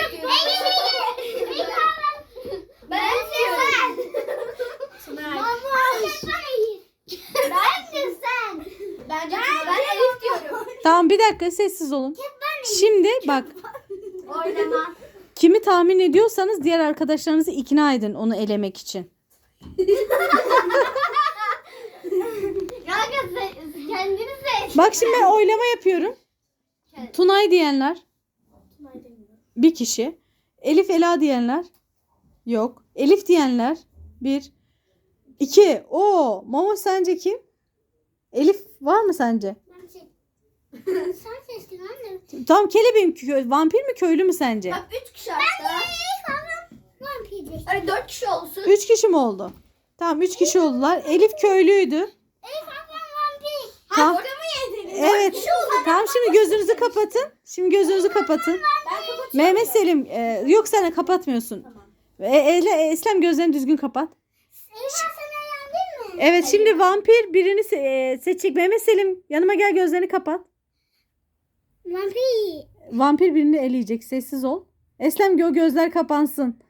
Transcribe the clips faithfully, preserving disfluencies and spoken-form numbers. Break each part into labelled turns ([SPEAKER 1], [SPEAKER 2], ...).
[SPEAKER 1] istiyorum. Ben istiyorum. Mamuş. Bence sen. Bence ben Elif diyorum.
[SPEAKER 2] Tamam bir dakika sessiz olun. Şimdi bak
[SPEAKER 1] Oynama.
[SPEAKER 2] kimi tahmin ediyorsanız diğer arkadaşlarınızı ikna edin onu elemek için.
[SPEAKER 1] Kanka kendini seç.
[SPEAKER 2] Bak şimdi ben oylama yapıyorum. Tunay diyenler bir kişi. Elif Ela diyenler yok. Elif diyenler bir. İki. Oo, Mamo sence kim? Elif var mı sence?
[SPEAKER 1] Sen seçtin anne.
[SPEAKER 2] Tamam kelebeğim kö- vampir mi köylü mü sence?
[SPEAKER 1] Bak üç kişi hatta. Ben de Ay dört kişi olsun.
[SPEAKER 2] Üç kişi mi oldu? Tamam üç kişi oldular. Elif köylüydü.
[SPEAKER 1] Elif ablam vampir.
[SPEAKER 2] Tamam.
[SPEAKER 1] Ha orada mı yediniz?
[SPEAKER 2] Evet. Tamam şimdi gözünüzü kapatın. Şimdi gözünüzü kapatın.
[SPEAKER 1] Ben kapatıyorum.
[SPEAKER 2] Mehmet Selim e, yok sen kapatmıyorsun. E, Ele- Eslem gözlerini düzgün kapat.
[SPEAKER 1] Elif sen eğlendin mi?
[SPEAKER 2] Evet şimdi vampir birini se- e, seçecek. Mehmet Selim yanıma gel gözlerini kapat.
[SPEAKER 1] Vampir.
[SPEAKER 2] Vampir birini eleyecek. Sessiz ol. Eslem gö gözler kapansın.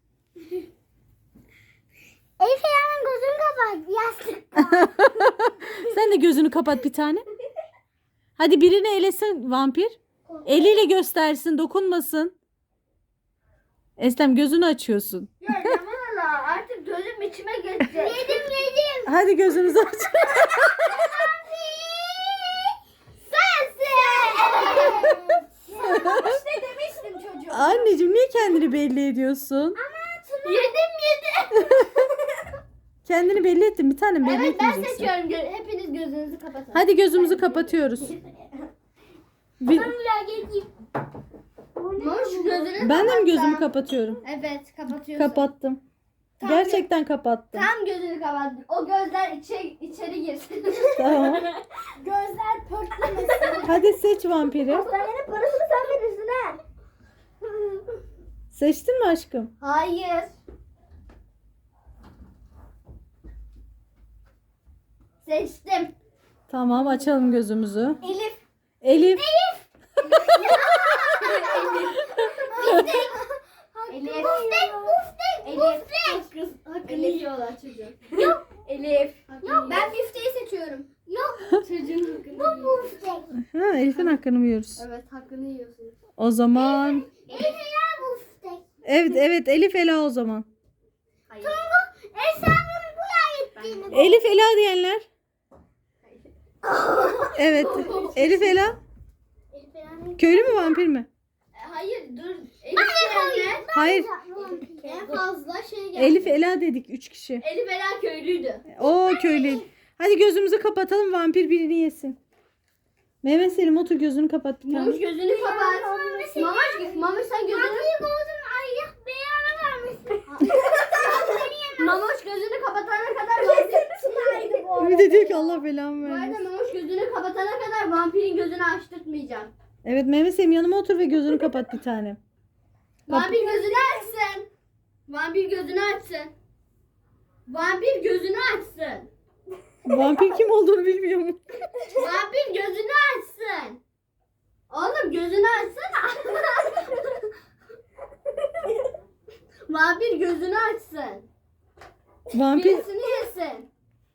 [SPEAKER 1] Elif hemen gözünü kapat. Yastık.
[SPEAKER 2] Sen de gözünü kapat bir tane. Hadi birini elesin vampir. Eliyle göstersin, dokunmasın. Eslem gözünü açıyorsun.
[SPEAKER 1] Ya Yaman artık gözüm içime geçecek. Yedim yedim.
[SPEAKER 2] Hadi gözünüzü aç.
[SPEAKER 1] İşte demiştim çocuğum.
[SPEAKER 2] Anneciğim niye kendini belli ediyorsun?
[SPEAKER 1] Yedim yedim.
[SPEAKER 2] Kendini belli ettin. Bir tane belli
[SPEAKER 1] Evet ben
[SPEAKER 2] etmeyeceksin.
[SPEAKER 1] seçiyorum. Gö- Hepiniz gözünüzü kapatın.
[SPEAKER 2] Hadi gözümüzü kapatıyoruz. Bir-
[SPEAKER 1] Ben bir geleyim. Moş gözünü
[SPEAKER 2] ben de mi gözümü
[SPEAKER 1] kapatsam?
[SPEAKER 2] kapatıyorum?
[SPEAKER 1] Evet kapatıyorsun.
[SPEAKER 2] Kapattım.
[SPEAKER 1] Tam
[SPEAKER 2] Gerçekten kapattım.
[SPEAKER 1] Tam gözünü kapat. O gözler içe, içeri girsin.
[SPEAKER 2] Tamam.
[SPEAKER 1] Gözler pörtlemesin.
[SPEAKER 2] Hadi seç vampiri.
[SPEAKER 1] Hastanenin parasını sen verirsin ha.
[SPEAKER 2] Seçtin mi aşkım?
[SPEAKER 1] Hayır. Seçtim.
[SPEAKER 2] Tamam açalım gözümüzü.
[SPEAKER 1] Elif.
[SPEAKER 2] Elif.
[SPEAKER 1] Elif. Elif. Buftek, buftek, buftek. Hakkını yiyorlar çocuk. Yok. Elif. Yok. Ben bifteyi seçiyorum. Yok. Çocuğun hakkını Bu buftek.
[SPEAKER 2] Ha, Elif'in hakkını mı yiyoruz?
[SPEAKER 1] Evet hakkını yiyorsunuz.
[SPEAKER 2] O zaman.
[SPEAKER 1] Elif ya buftek.
[SPEAKER 2] Evet evet Elif Ela o zaman.
[SPEAKER 1] Hayır. Tungu Esra'nın bu ettiğini.
[SPEAKER 2] Elif Ela diyenler. Evet. Elif Ela.
[SPEAKER 1] Elif Ela'nın.
[SPEAKER 2] Köylü mü vampir mi?
[SPEAKER 1] Hayır dur. Elif Ela'nın.
[SPEAKER 2] Hayır.
[SPEAKER 1] En fazla şey geldi.
[SPEAKER 2] Elif Ela dedik üç kişi.
[SPEAKER 1] Elif Ela köylüydü.
[SPEAKER 2] O köylü. Hadi gözümüzü kapatalım vampir birini yesin. Mehmet Selim otur gözünü kapat bir tane.
[SPEAKER 1] Mamuş gözünü kapat. Mamuş, Mamuş sen gözünü... Mamuş oldum Allah beyanı vermesin. Mamuş gözünü kapatana kadar vampir...
[SPEAKER 2] Bir de diyor ki Allah belamı
[SPEAKER 1] Bu arada
[SPEAKER 2] vermesin.
[SPEAKER 1] Mamuş gözünü kapatana kadar vampirin gözünü açtırtmayacağım.
[SPEAKER 2] Evet Mehmet Selim yanıma otur ve gözünü kapat bir tane.
[SPEAKER 1] Vampir gözünü açsın. Vampir gözünü açsın. Vampir gözünü açsın.
[SPEAKER 2] Vampir kim olduğunu bilmiyor mu?
[SPEAKER 1] Vampir gözünü açsın. Oğlum gözünü açsana. Vampir gözünü açsın.
[SPEAKER 2] Vampir
[SPEAKER 1] Birisini yesin.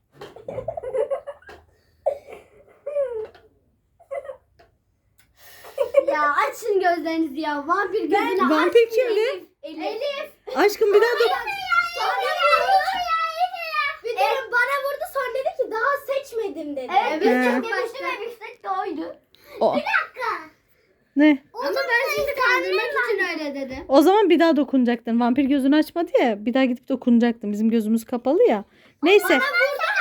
[SPEAKER 1] Ya açın gözlerinizi ya. Vampir gözünü
[SPEAKER 2] Vampir
[SPEAKER 1] açmıyor.
[SPEAKER 2] kimdi?
[SPEAKER 1] Elif. Elif.
[SPEAKER 2] aşkım bir daha da
[SPEAKER 1] Sonra vurdu. Bir de bana vurdu sonra dedi ki daha seçmedim dedi. Evet biz
[SPEAKER 2] He.
[SPEAKER 1] de demiştim ve biftek de oydu.
[SPEAKER 2] o.
[SPEAKER 1] Bir dakika.
[SPEAKER 2] Ne?
[SPEAKER 1] Ama ben sizi kandırmak için öyle dedim.
[SPEAKER 2] O zaman bir daha dokunacaktın. Vampir gözünü açmadı ya. Bir daha gidip dokunacaktın. Bizim gözümüz kapalı ya. Neyse.
[SPEAKER 1] Bana vurdu